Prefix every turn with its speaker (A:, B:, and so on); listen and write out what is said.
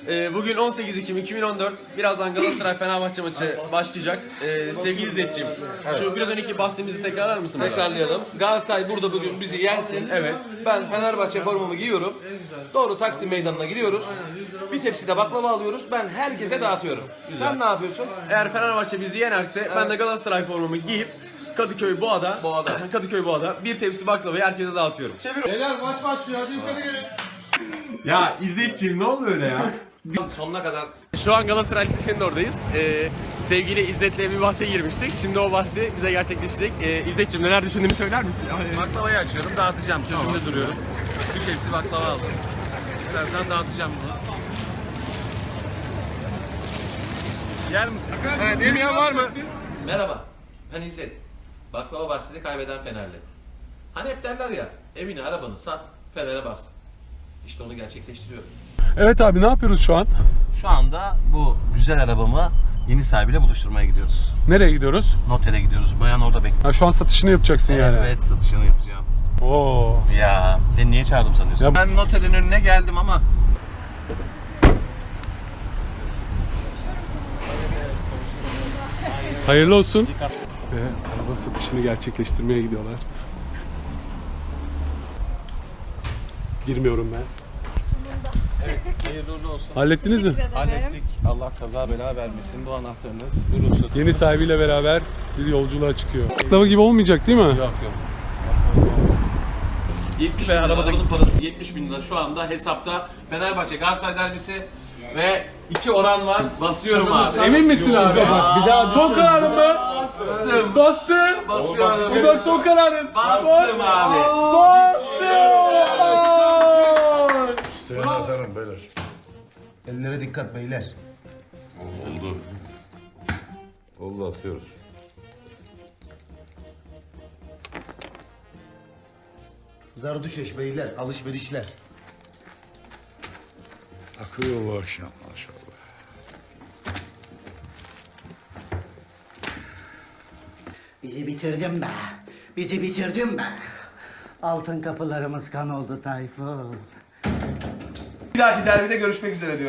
A: Bugün 18 Ekim 2014. Birazdan Galatasaray Fenerbahçe maçı başlayacak. Sevgili İzzetciğim, şu biraz önceki bahsimizi tekrarlar mısın?
B: Tekrarlayalım. Galatasaray burada bugün bizi yensin.
A: Evet.
B: Ben Fenerbahçe formamı giyiyorum. Doğru Taksim Meydanı'na gidiyoruz. Bir tepsi de baklava alıyoruz. Ben herkese dağıtıyorum. Sen ne yapıyorsun?
A: Eğer Fenerbahçe bizi yenerse ben de Galatasaray formamı giyip Kadıköy Boğa'da Kadıköy Boğa'da bir tepsi baklavayı herkese dağıtıyorum.
C: Beyler maç başlıyor, hadi yukarı gelin.
A: Ya İzzetciğim ne oldu öyle ya?
B: Sonuna kadar.
A: Şu an Galatasaray Lisesi'nin oradayız. Sevgili İzzet'le bir bahse girmiştik. Şimdi o bahsi bize gerçekleşecek. İzzetciğim neler düşündüğünü söyler misin?
B: Baklavayı açıyorum, dağıtacağım. Sözümde duruyorum. Bir tepsi baklava aldım. Birazdan dağıtacağım bunu. Yer misin?
C: Evet, yemeyen var mı?
B: Merhaba, ben İzzet. Baklava bahsini kaybeden Fenerli. Hani hep derler ya, evini arabanı sat, Fener'e bas. İşte onu gerçekleştiriyorum.
C: Evet abi, ne yapıyoruz şu an?
B: Şu anda bu güzel arabamı yeni sahibiyle buluşturmaya gidiyoruz.
C: Nereye gidiyoruz?
B: Notere gidiyoruz. Bayan orada bekliyor.
C: Ha, şu an satışını yapacaksın yani.
B: Evet, satışını yapacağım.
C: Oo.
B: Ya, seni niye çağırdım sanıyorsun?
C: Ya-
B: Ben noterin önüne geldim ama
C: Hayırlı olsun. Ve araba satışını gerçekleştirmeye gidiyorlar. Girmiyorum ben.
B: hayırlı uğurlu olsun.
C: Hallettiniz mi?
B: Hallettik. Allah kaza bela vermesin. Bu anahtarınız burası.
C: Yeni sahibiyle beraber bir yolculuğa çıkıyor. Baklava gibi olmayacak değil mi?
B: Yok. 70 bin arabadaki parası 70 bin lira şu anda hesapta. Fenerbahçe Galatasaray derbisi ve 2 oran var. Basıyorum abi.
C: Emin misin abi?
D: Bak bir daha
C: Son kararın mı?
B: Bastım.
C: Bastın.
B: Basıyorum.
C: Bu da son kararın.
B: Bastım abi.
D: Seni atarım beyler. Ellere dikkat beyler.
E: Oldu. Oldu, atıyoruz.
D: Zardüşeş beyler, alışverişler.
E: Akıyor bu akşam maşallah.
F: Bizi bitirdin be. Bizi bitirdin be. Altın kapılarımız kan oldu Tayfun.
B: Bir dahaki derbide görüşmek üzere diyorum.